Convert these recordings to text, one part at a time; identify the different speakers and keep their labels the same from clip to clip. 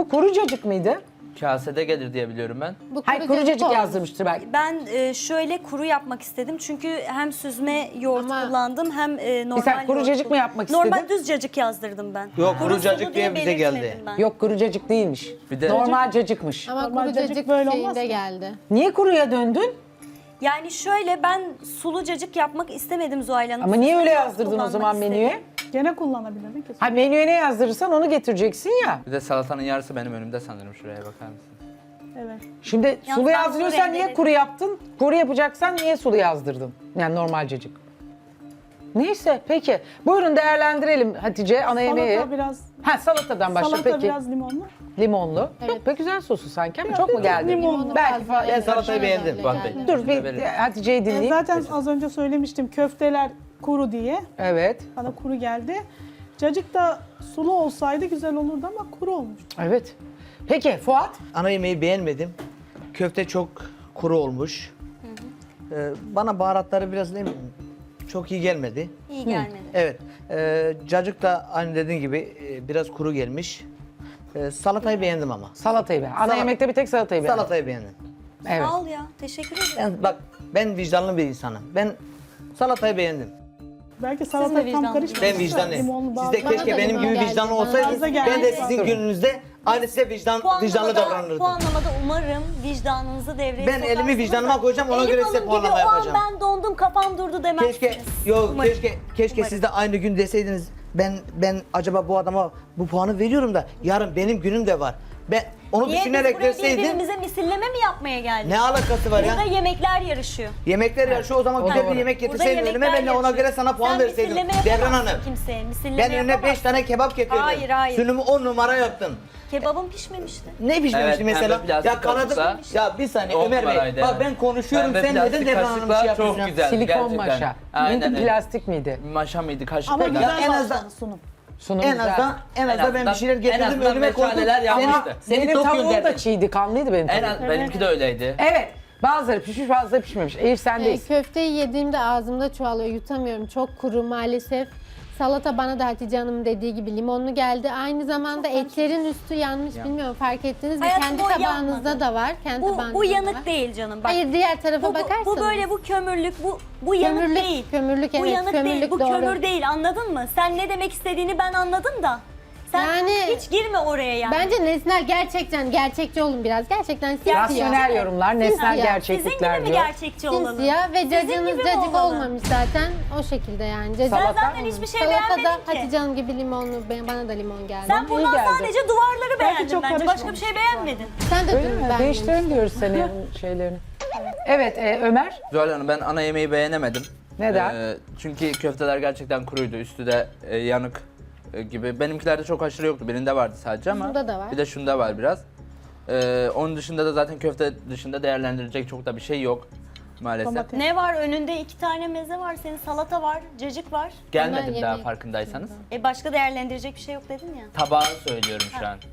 Speaker 1: Bu kuru cacık mıydı?
Speaker 2: Kasede gelir diye biliyorum ben.
Speaker 3: Bu
Speaker 1: Hayır
Speaker 3: kuru
Speaker 1: kuru
Speaker 3: cacık
Speaker 1: cacık
Speaker 3: olmuş.
Speaker 1: yazdırmıştır belki.
Speaker 4: Ben şöyle kuru yapmak istedim. Çünkü hem süzme yoğurt
Speaker 3: Ama-
Speaker 4: kullandım hem normal
Speaker 1: sen kuru
Speaker 4: yoğurt
Speaker 1: cacık mı
Speaker 4: kullandım.
Speaker 1: yapmak
Speaker 4: Normal
Speaker 1: istedin?
Speaker 4: düz cacık yazdırdım ben.
Speaker 5: Yok, kuru
Speaker 4: sulu
Speaker 5: cacık diye bize geldi.
Speaker 4: belirtmedim ben.
Speaker 1: Yok kuru cacık değilmiş.
Speaker 2: Bir de-
Speaker 1: Normal cacıkmış.
Speaker 3: Ama
Speaker 6: Normal
Speaker 3: kuru
Speaker 6: cacık
Speaker 3: cacık
Speaker 6: böyle olmaz
Speaker 3: şeyinde
Speaker 6: ki.
Speaker 3: geldi.
Speaker 1: Niye kuruya döndün?
Speaker 4: Yani şöyle ben sulu cacık yapmak istemedim Zuhal Hanım.
Speaker 1: Ama niye öyle
Speaker 4: Süzme yoğurt
Speaker 1: yazdırdın o
Speaker 4: kullanmak
Speaker 1: zaman
Speaker 4: istedim.
Speaker 1: menüye?
Speaker 6: Gene kullanabilirdin ki.
Speaker 1: Ha menüye ne yazdırırsan onu getireceksin ya.
Speaker 2: Bir de salatanın yarısı benim önümde sanırım. Şuraya bakar mısın?
Speaker 6: Evet.
Speaker 1: Şimdi
Speaker 4: Yalnız
Speaker 1: sulu
Speaker 4: ben
Speaker 1: yazdırıyorsan
Speaker 4: sulu
Speaker 1: niye
Speaker 4: rendeledim.
Speaker 1: kuru yaptın? Kuru yapacaksan niye sulu yazdırdın? Yani normal cacık. Neyse peki. Buyurun değerlendirelim Hatice ana yemeği.
Speaker 6: Salata biraz,
Speaker 1: Ha salatadan başla
Speaker 6: salata
Speaker 1: peki.
Speaker 6: biraz limonlu.
Speaker 1: Limonlu.
Speaker 3: Evet.
Speaker 1: Yok pek güzel sosu sanki ama çok mu geldi?
Speaker 6: Limonlu.
Speaker 1: Belki
Speaker 3: Fazla,
Speaker 1: falan.
Speaker 5: salatayı beğendim.
Speaker 2: Fuat Bey.
Speaker 1: Dur bir
Speaker 2: Verin.
Speaker 1: Hatice'yi dinleyeyim.
Speaker 6: Zaten az önce söylemiştim köfteler kuru diye.
Speaker 1: Evet.
Speaker 6: Bana kuru geldi. Cacık da sulu olsaydı güzel olurdu ama kuru olmuş.
Speaker 1: Evet. Peki Fuat?
Speaker 5: Ana yemeği beğenmedim. Köfte çok kuru olmuş. Bana baharatları biraz ne bileyim, çok iyi gelmedi.
Speaker 4: İyi gelmedi.
Speaker 5: Evet. Cacık da aynı dediğin gibi biraz kuru gelmiş. Salatayı beğendim ama.
Speaker 1: Salatayı beğen. Ana yemekte bir tek salatayı beğen.
Speaker 5: Salatayı beğendim.
Speaker 1: Evet.
Speaker 4: Sağ ol ya. Teşekkür ederim.
Speaker 5: Bak ben vicdanlı bir insanım. Ben salatayı beğendim.
Speaker 6: Belki salata tam
Speaker 4: vicdanlı.
Speaker 6: karışmamış.
Speaker 5: Ben vicdanlıyım.
Speaker 6: Limonlu
Speaker 5: Siz de
Speaker 6: bazı.
Speaker 5: keşke
Speaker 3: da
Speaker 5: benim
Speaker 3: limon
Speaker 5: gibi
Speaker 3: geldi,
Speaker 5: vicdanlı
Speaker 3: bana
Speaker 5: olsaydınız.
Speaker 6: da geldi.
Speaker 5: Ben de sizin gününüzde aynı size vicdanlı davranırdım.
Speaker 4: Puanlamada umarım vicdanınızı devreye
Speaker 5: Ben
Speaker 4: sokarsınız
Speaker 5: elimi vicdanıma
Speaker 4: da
Speaker 5: koyacağım, ona
Speaker 4: Elif
Speaker 5: göre size
Speaker 4: Hanım
Speaker 5: puanlama
Speaker 4: gibi,
Speaker 5: yapacağım.
Speaker 4: O an ben dondum kafam durdu demezsiniz.
Speaker 5: Keşke
Speaker 4: Umarım.
Speaker 5: keşke
Speaker 4: Umarım.
Speaker 5: siz de aynı gün deseydiniz. Ben acaba bu adama bu puanı veriyorum da yarın benim günüm de var. Ben onu
Speaker 4: Niye biz
Speaker 5: düşünerek
Speaker 4: buraya
Speaker 5: verseydim.
Speaker 4: birbirimize misilleme mi yapmaya geldik?
Speaker 5: Ne alakası var ya?
Speaker 4: Burada yemekler yarışıyor.
Speaker 5: Yemekler yarışı o zaman
Speaker 1: o
Speaker 5: güzel
Speaker 1: doğru.
Speaker 5: bir yemek
Speaker 4: Burada
Speaker 5: getirseydin
Speaker 4: yemekler
Speaker 5: önüme ben de ona
Speaker 4: yarışıyor.
Speaker 5: göre sana puan
Speaker 4: Sen
Speaker 5: verseydim.
Speaker 4: misilleme
Speaker 5: Devran
Speaker 4: yapamazsın
Speaker 5: Hanım.
Speaker 4: kimseye. Misilleme
Speaker 5: Ben önüne 5
Speaker 4: yapamazsın.
Speaker 5: tane kebap getirdim.
Speaker 4: Hayır, hayır.
Speaker 5: Sunumu 10 numara yaptın.
Speaker 4: Kebabım pişmemişti.
Speaker 5: Ne pişmemişti
Speaker 2: Evet,
Speaker 5: mesela?
Speaker 2: pembe plastik
Speaker 5: Ya kanadı
Speaker 2: kaşıkla
Speaker 5: ya bir saniye
Speaker 2: on
Speaker 5: Ömer Bey.
Speaker 2: numaraydı
Speaker 5: Bak
Speaker 2: yani.
Speaker 5: ben konuşuyorum
Speaker 2: Pembe
Speaker 5: sen neden
Speaker 2: plastik
Speaker 5: Devran Hanım şey
Speaker 2: kaşıklar çok
Speaker 5: yapıyorsun?
Speaker 2: güzel.
Speaker 1: Silikon
Speaker 2: gerçekten.
Speaker 1: maşa.
Speaker 2: Aynen
Speaker 1: Neydi
Speaker 2: öyle.
Speaker 1: plastik miydi?
Speaker 2: Maşa mıydı, kaşık
Speaker 6: Ama
Speaker 2: mıydı?
Speaker 6: güzel
Speaker 5: en
Speaker 6: başladı
Speaker 5: azından-
Speaker 6: sunum.
Speaker 1: Sunum
Speaker 5: En
Speaker 1: güzel.
Speaker 5: azından ben bir şeyler
Speaker 2: en
Speaker 5: getirdim
Speaker 2: azından
Speaker 5: önüme koydum.
Speaker 2: meşaleler yapmıştı.
Speaker 5: Seni
Speaker 1: Benim
Speaker 5: tok
Speaker 1: tavuğum da
Speaker 5: gönderdim.
Speaker 1: çiğdi, kanlıydı benim
Speaker 2: En
Speaker 1: tavuğum.
Speaker 2: az benimki de öyleydi.
Speaker 1: Evet. Bazıları pişmiş, bazıları pişmemiş. Elif sendeyiz.
Speaker 3: Köfteyi yediğimde ağzımda çoğalıyor, yutamıyorum. Çok kuru maalesef. Salata bana da Hatice Hanım'ın dediği gibi limonlu geldi. Aynı zamanda etlerin üstü yanmış, bilmiyorum fark ettiniz mi?
Speaker 4: Hayatım,
Speaker 3: Kendi
Speaker 4: o
Speaker 3: tabağınızda
Speaker 4: yanmadı.
Speaker 3: da var. Kendi tabağınızda
Speaker 4: Bu
Speaker 3: da
Speaker 4: yanık
Speaker 3: var.
Speaker 4: değil canım. Bak.
Speaker 3: Hayır, diğer tarafa
Speaker 4: Bu
Speaker 3: bakarsanız.
Speaker 4: böyle bu kömürlük, bu yanık
Speaker 3: Kömürlük,
Speaker 4: değil.
Speaker 3: kömürlük,
Speaker 4: Bu
Speaker 3: evet,
Speaker 4: yanık
Speaker 3: kömürlük
Speaker 4: değil, bu
Speaker 3: doğru.
Speaker 4: kömür değil, anladın mı? Sen ne demek istediğini ben anladım da. Sen
Speaker 3: Yani-
Speaker 4: hiç girme oraya yani.
Speaker 3: Bence nesnel gerçekten gerçekçi olun biraz. Gerçekten simsiyah.
Speaker 1: Rasyonel yorumlar, nesnel
Speaker 3: Simsiyah.
Speaker 4: Sizin gibi
Speaker 1: gerçeklikler
Speaker 4: mi
Speaker 1: diyor.
Speaker 4: gerçekçi olalım?
Speaker 3: Simsiyah ve cacığınız
Speaker 4: gibi mi
Speaker 3: cacık
Speaker 4: olmalı?
Speaker 3: olmamış zaten. O şekilde yani. Cacık
Speaker 1: Salata?
Speaker 4: Ben zaten hiçbir şey
Speaker 3: Salatada
Speaker 4: beğenmedim ki.
Speaker 3: Hatice Hanım gibi limonlu, bana da limon geldi.
Speaker 4: Sen buradan
Speaker 1: geldi.
Speaker 4: sadece duvarları beğendin
Speaker 6: çok
Speaker 4: bence. Başka bir
Speaker 6: karışmamış.
Speaker 4: şey beğenmedin.
Speaker 3: Sen de
Speaker 1: Öyle
Speaker 3: dün
Speaker 1: mi?
Speaker 3: beğenmemişsin.
Speaker 1: Değiştirelim diyoruz senin şeylerini. Evet Ömer.
Speaker 2: Zuhal Hanım ben ana yemeği beğenemedim.
Speaker 1: Neden?
Speaker 2: Çünkü köfteler gerçekten kuruydu. Üstü de yanık gibi. Benimkilerde çok aşırı yoktu. Birinde vardı sadece ama.
Speaker 3: Bunda da var.
Speaker 2: Bir de şunda var biraz. Onun dışında da zaten köfte dışında değerlendirilecek çok da bir şey yok maalesef.
Speaker 6: Domates.
Speaker 4: Ne var? Önünde 2 tane meze var. Senin salata var, cacık var.
Speaker 2: Gelmedim
Speaker 3: Ama
Speaker 2: daha
Speaker 3: yemek-
Speaker 2: farkındaysanız.
Speaker 4: Başka değerlendirecek bir şey yok dedin ya.
Speaker 2: Tabağı söylüyorum şu an.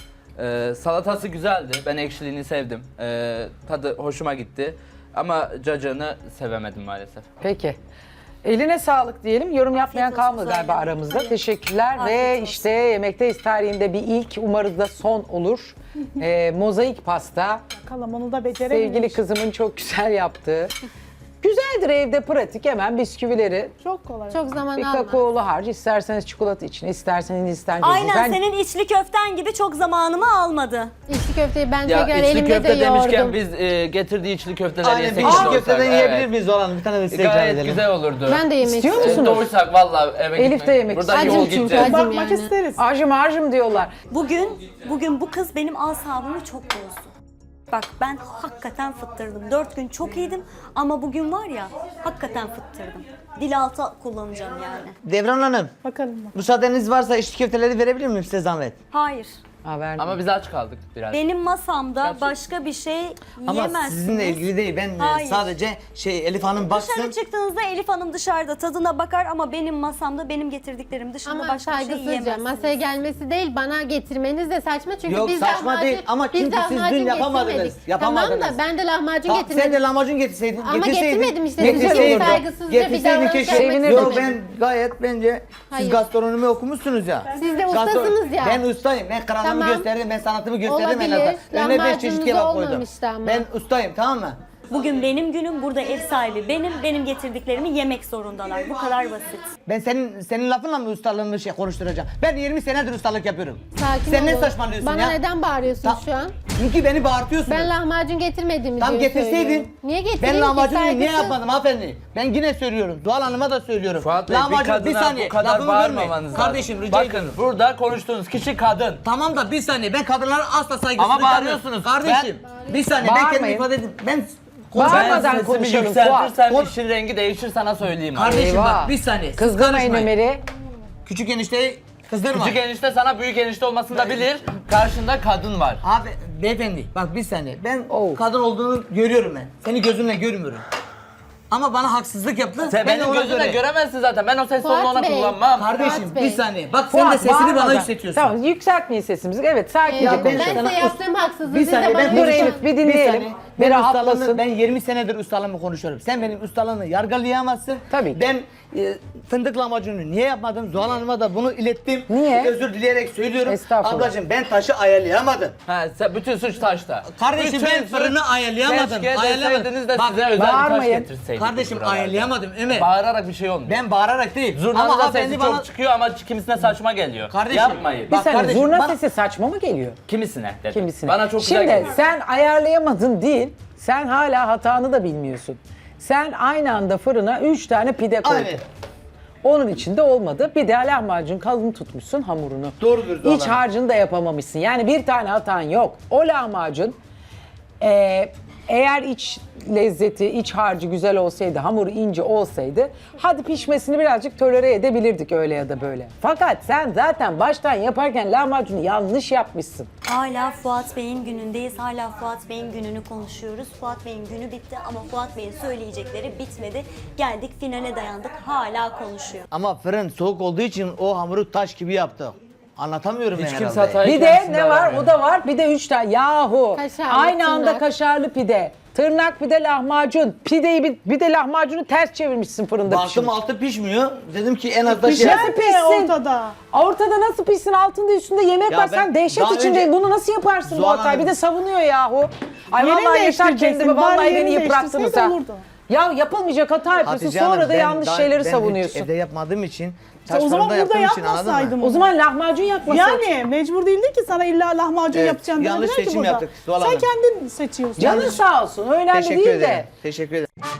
Speaker 2: Salatası güzeldi. Ben ekşiliğini sevdim. Tadı hoşuma gitti. Ama cacığını sevemedim maalesef.
Speaker 1: Peki. Eline sağlık diyelim. Yorum yapmayan
Speaker 4: Afiyet olsun
Speaker 1: kalmadı
Speaker 4: Zuhal
Speaker 1: galiba
Speaker 4: Hanım.
Speaker 1: aramızda.
Speaker 4: Hayır.
Speaker 1: Teşekkürler
Speaker 4: Afiyet
Speaker 1: ve
Speaker 4: olsun.
Speaker 1: işte Yemekteyiz tarihinde bir ilk, umarız da son olur. Mozaik pasta.
Speaker 6: Bakalım onu da becerememiş.
Speaker 1: Sevgili kızımın çok güzel yaptığı. Güzeldir evde pratik hemen bisküvileri.
Speaker 6: Çok kolay.
Speaker 3: Çok zaman
Speaker 1: Bir
Speaker 3: almaz.
Speaker 1: kakaolu harç, isterseniz çikolata için, isterseniz Hindistan cevizi.
Speaker 4: Aynen
Speaker 1: Ben-
Speaker 4: senin içli köften gibi çok zamanımı almadı.
Speaker 3: İçli köfteyi ben
Speaker 2: Ya
Speaker 3: tekrar
Speaker 2: içli
Speaker 3: elimde
Speaker 2: köfte
Speaker 3: de
Speaker 2: demişken
Speaker 3: yoğurdum.
Speaker 2: biz getirdiği içli köfteleri
Speaker 5: Aynen
Speaker 2: yesek
Speaker 5: bir
Speaker 2: de
Speaker 5: içli
Speaker 2: olsak,
Speaker 5: köfteden yiyebilir
Speaker 2: evet.
Speaker 5: miyiz Zoran? Bir tane de size ikram
Speaker 2: Gayet
Speaker 5: edelim.
Speaker 2: güzel olurdu.
Speaker 3: Ben de yemek
Speaker 1: İstiyor
Speaker 3: istiyorum.
Speaker 1: musunuz?
Speaker 2: Doysak vallahi eve
Speaker 1: Elif
Speaker 2: gitmek.
Speaker 1: de yemek
Speaker 2: Buradan
Speaker 3: istiyor.
Speaker 2: yol
Speaker 3: Acım çünkü,
Speaker 2: gideceğiz.
Speaker 3: acım.
Speaker 6: Bakmak
Speaker 3: yani.
Speaker 6: isteriz.
Speaker 1: Acım harcım diyorlar.
Speaker 4: Bugün bu kız benim asabımı çok bozdu. Bak ben hakikaten fıttırdım. 4 gün çok iyiydim ama bugün var ya hakikaten fıttırdım. Dil altı kullanacağım yani.
Speaker 5: Devran Hanım,
Speaker 6: Bakalım.
Speaker 5: müsaadeniz varsa içli köfteleri verebilir miyim size zahmet?
Speaker 4: Hayır.
Speaker 1: Haber
Speaker 2: Ama biz aç kaldık biraz.
Speaker 4: Benim masamda başka bir şey
Speaker 5: Ama
Speaker 4: yiyemezsiniz.
Speaker 5: sizinle ilgili değil. Ben
Speaker 4: Hayır.
Speaker 5: sadece Elif Hanım baksın.
Speaker 4: Dışarı çıktığınızda Elif Hanım dışarıda tadına bakar ama benim masamda benim getirdiklerim dışında
Speaker 3: Ama
Speaker 4: başka bir şey
Speaker 3: saygısızca
Speaker 4: yiyemezsiniz.
Speaker 3: masaya gelmesi değil, bana getirmeniz de saçma çünkü
Speaker 5: Yok,
Speaker 3: biz
Speaker 5: saçma
Speaker 3: lahmacun,
Speaker 5: değil ama
Speaker 3: biz
Speaker 5: çünkü siz
Speaker 3: lahmacun
Speaker 5: dün yapamadınız.
Speaker 3: getirmedik.
Speaker 5: Yapamadınız.
Speaker 3: Tamam da ben de lahmacun
Speaker 5: Tamam,
Speaker 3: getirmedim.
Speaker 5: sen de lahmacun getirseydin.
Speaker 3: Ama getirmedim işte,
Speaker 1: güzel
Speaker 5: Getirseydin.
Speaker 1: olurdu.
Speaker 3: Saygısızca bir
Speaker 5: Getirseydin
Speaker 3: davranış
Speaker 5: keşke.
Speaker 3: yapmak
Speaker 5: Yok
Speaker 3: istemedim.
Speaker 5: ben gayet bence siz
Speaker 3: Hayır.
Speaker 5: gastronomi okumuşsunuz ya.
Speaker 3: Siz de ustasınız ya.
Speaker 5: Ben ustayım. Ben Kıran'da çabamı
Speaker 3: Tamam.
Speaker 5: gösterdim, ben sanatımı gösterdim en
Speaker 3: Olabilir.
Speaker 5: azından. Önüne 5 çeşit
Speaker 3: Lahmacununuz
Speaker 5: kebap koydum.
Speaker 3: olmamıştı ama.
Speaker 5: Ben ustayım, tamam mı?
Speaker 4: Bugün benim günüm, burada ev sahibi benim getirdiklerimi yemek zorundalar. Bu kadar basit.
Speaker 5: Ben senin lafınla mı ustalığımı konuşturacağım? Ben 20 senedir ustalık yapıyorum.
Speaker 3: Sakin
Speaker 5: Sen ne
Speaker 3: olun.
Speaker 5: saçmalıyorsun
Speaker 3: Bana
Speaker 5: ya?
Speaker 3: neden bağırıyorsun
Speaker 5: Ta-
Speaker 3: şu an?
Speaker 5: Çünkü beni bağırtıyorsunuz.
Speaker 3: Ben lahmacun getirmedim
Speaker 5: Tam
Speaker 3: diye
Speaker 5: getirseydin.
Speaker 3: söylüyorum. Niye getireyim
Speaker 5: Ben
Speaker 3: ki?
Speaker 5: lahmacunu niye
Speaker 3: Saygısız.
Speaker 5: yapmadım hanımefendi? Ben yine söylüyorum. Doğal Hanım'a da söylüyorum.
Speaker 2: Fuat Bey, bir kadına bu kadar
Speaker 5: lafımı bölmeyin.
Speaker 2: bağırmamanız
Speaker 5: Kardeşim
Speaker 2: lazım.
Speaker 5: rica
Speaker 2: Bakın
Speaker 5: ediyorum.
Speaker 2: burada konuştuğunuz kişi kadın.
Speaker 5: Tamam da bir saniye, ben kadınlara asla saygısızlık
Speaker 2: Ama bağırıyorsunuz.
Speaker 5: yapmıyorum. Kardeşim bir saniye, ben kendimi
Speaker 1: Bağırmayın.
Speaker 5: ifade edeyim. Ben
Speaker 1: Bağırmadan
Speaker 2: Ben sesimi
Speaker 1: konuşalım,
Speaker 2: yükseltirsem
Speaker 5: Fuat.
Speaker 2: işin rengi değişir sana söyleyeyim. abi.
Speaker 5: Kardeşim
Speaker 1: Eyvah.
Speaker 5: bak bir saniye. siz
Speaker 1: Kızgırmayın
Speaker 5: karışmayın.
Speaker 1: Ömer'i.
Speaker 5: Küçük enişteyi kızdırma.
Speaker 2: Küçük enişte sana büyük enişte olmasını da bilir. Karşında kadın var.
Speaker 5: Abi beyefendi bak bir saniye. Ben
Speaker 1: Oh.
Speaker 5: kadın olduğunu görüyorum ben. Seni gözümle görmüyorum. Ama bana haksızlık yaptı.
Speaker 2: Sen
Speaker 5: ben de
Speaker 2: benim
Speaker 5: ona
Speaker 2: gözümle
Speaker 5: göre-
Speaker 2: göremezsin zaten. Ben o ses
Speaker 3: Fuat
Speaker 2: tonunu ona
Speaker 3: Bey.
Speaker 2: kullanmam.
Speaker 5: Kardeşim
Speaker 3: Fuat
Speaker 5: bir
Speaker 3: Bey.
Speaker 5: saniye. Bak sen de
Speaker 1: Fuat,
Speaker 5: sesini bana
Speaker 1: bağırmadan.
Speaker 5: yükseltiyorsun.
Speaker 1: Tamam, yükseltmeyin sesimizi. Evet, sakince
Speaker 5: Ya ben
Speaker 3: Ben
Speaker 1: konuşalım.
Speaker 3: size yaptığım haksızlığı
Speaker 5: Bir
Speaker 3: siz de
Speaker 5: saniye
Speaker 3: bana
Speaker 5: ben
Speaker 1: Dur
Speaker 3: konuşun.
Speaker 1: Elif, bir dinleyelim. Bir
Speaker 5: Ben
Speaker 1: rahatlasın.
Speaker 5: ustalığımı, ben 20 senedir ustalığımı konuşuyorum. Sen benim ustalığımı yargılayamazsın.
Speaker 1: Tabii ki.
Speaker 5: Ben fındık lahmacununu niye yapmadım? Zuhal Hanım'a da bunu ilettim.
Speaker 1: Niye?
Speaker 5: Özür dileyerek söylüyorum.
Speaker 1: Estağfurullah.
Speaker 5: Ablacığım ben taşı ayarlayamadım.
Speaker 2: Ha, bütün suç taşta.
Speaker 5: Kardeşim
Speaker 2: Bütün
Speaker 5: ben
Speaker 2: suç-
Speaker 5: fırını ayarlayamadım.
Speaker 2: Keşke deseydiniz de
Speaker 5: Bak,
Speaker 2: size özel bir taş
Speaker 1: bağırmayın.
Speaker 2: getirseydik.
Speaker 5: Kardeşim
Speaker 2: buralarda.
Speaker 5: ayarlayamadım Ömer.
Speaker 2: Bağırarak bir şey olmuyor.
Speaker 5: Ben bağırarak değil.
Speaker 2: Zurnanın da
Speaker 5: hanımefendi
Speaker 2: sesi çok çıkıyor ama kimisine saçma geliyor.
Speaker 5: Kardeşim,
Speaker 2: Yapmayın.
Speaker 1: Bir
Speaker 5: bak
Speaker 1: saniye,
Speaker 5: kardeşim,
Speaker 1: zurna
Speaker 5: bana-
Speaker 1: sesi saçma mı geliyor?
Speaker 2: Kimisine dedim.
Speaker 1: Kimisine?
Speaker 2: Bana çok güzel
Speaker 1: Şimdi
Speaker 2: geliyor.
Speaker 1: sen ayarlayamadın değil, sen hala hatanı da bilmiyorsun. Sen aynı anda fırına 3 tane pide koydun.
Speaker 5: Aynen.
Speaker 1: Onun içinde olmadı. Bir de lahmacun kalın tutmuşsun hamurunu.
Speaker 5: Doğrudur, doğru.
Speaker 1: İç harcını da yapamamışsın. Yani bir tane hatan yok. O lahmacun eğer iç lezzeti, iç harcı güzel olsaydı, hamuru ince olsaydı hadi pişmesini birazcık tolere edebilirdik öyle ya da böyle. Fakat sen zaten baştan yaparken lahmacunu yanlış yapmışsın.
Speaker 4: Hala Fuat Bey'in günündeyiz. Hala Fuat Bey'in gününü konuşuyoruz. Fuat Bey'in günü bitti ama Fuat Bey'in söyleyecekleri bitmedi. Geldik finale dayandık. Hala konuşuyor.
Speaker 5: Ama fırın soğuk olduğu için o hamuru taş gibi yaptı. Anlatamıyorum
Speaker 2: Hiç
Speaker 5: ben
Speaker 2: kimse
Speaker 5: herhalde.
Speaker 2: hatayı
Speaker 1: Bir de
Speaker 2: kendisinde
Speaker 1: ne var?
Speaker 2: aramıyor.
Speaker 1: O da var. Bir de 3 tane. Yahu.
Speaker 3: Kaşarlı,
Speaker 1: Aynı anda
Speaker 3: tırnak.
Speaker 1: kaşarlı pide. Tırnak bir de lahmacun. Pideyi bir de lahmacunu ters çevirmişsin fırında
Speaker 5: Baktım
Speaker 1: pişirmiş.
Speaker 5: altı pişmiyor. Dedim ki en az da şey...
Speaker 6: Pişer
Speaker 1: Nasıl
Speaker 6: mi
Speaker 1: pişsin?
Speaker 6: ortada?
Speaker 1: Ortada nasıl pişsin? Altında üstünde yemek
Speaker 5: Ya
Speaker 1: var.
Speaker 5: ben
Speaker 1: Sen dehşet
Speaker 5: daha
Speaker 1: içindeyim.
Speaker 5: önce-
Speaker 1: Bunu nasıl yaparsın bu
Speaker 5: Zuhal
Speaker 1: hatayı? Bir
Speaker 5: Hanım-
Speaker 1: de savunuyor yahu. Ay
Speaker 6: Yerini
Speaker 1: vallahi yeter
Speaker 6: değiştireceksin.
Speaker 1: kendimi.
Speaker 6: Bari
Speaker 1: Vallahi
Speaker 6: yerini
Speaker 1: beni yıprattınız ha.
Speaker 6: değiştirseydin olurdu.
Speaker 1: Ya yapılmayacak hata yapıyorsun.
Speaker 5: Hatice
Speaker 1: Sonra
Speaker 5: Hanım,
Speaker 1: da
Speaker 5: ben
Speaker 1: yanlış
Speaker 5: daha-
Speaker 1: şeyleri
Speaker 5: ben hiç
Speaker 1: savunuyorsun.
Speaker 5: evde yapmadığım için,
Speaker 6: O zaman
Speaker 5: fırında
Speaker 6: burada
Speaker 5: yaptığım için, anladın mı?
Speaker 6: yapmasaydım.
Speaker 1: O zaman lahmacun yapmasaydın.
Speaker 6: Yani mecbur değildi ki sana illa lahmacun
Speaker 5: Evet,
Speaker 6: yapacaksın
Speaker 5: yanlış
Speaker 6: demediler ki
Speaker 5: seçim
Speaker 6: burada.
Speaker 5: yaptık, Zuhal
Speaker 6: Sen
Speaker 5: Hanım.
Speaker 6: kendin seçiyorsun.
Speaker 1: Canın sağ olsun. Önemli
Speaker 5: Teşekkür
Speaker 1: değil
Speaker 5: ederim.
Speaker 1: de.
Speaker 5: Teşekkür ederim.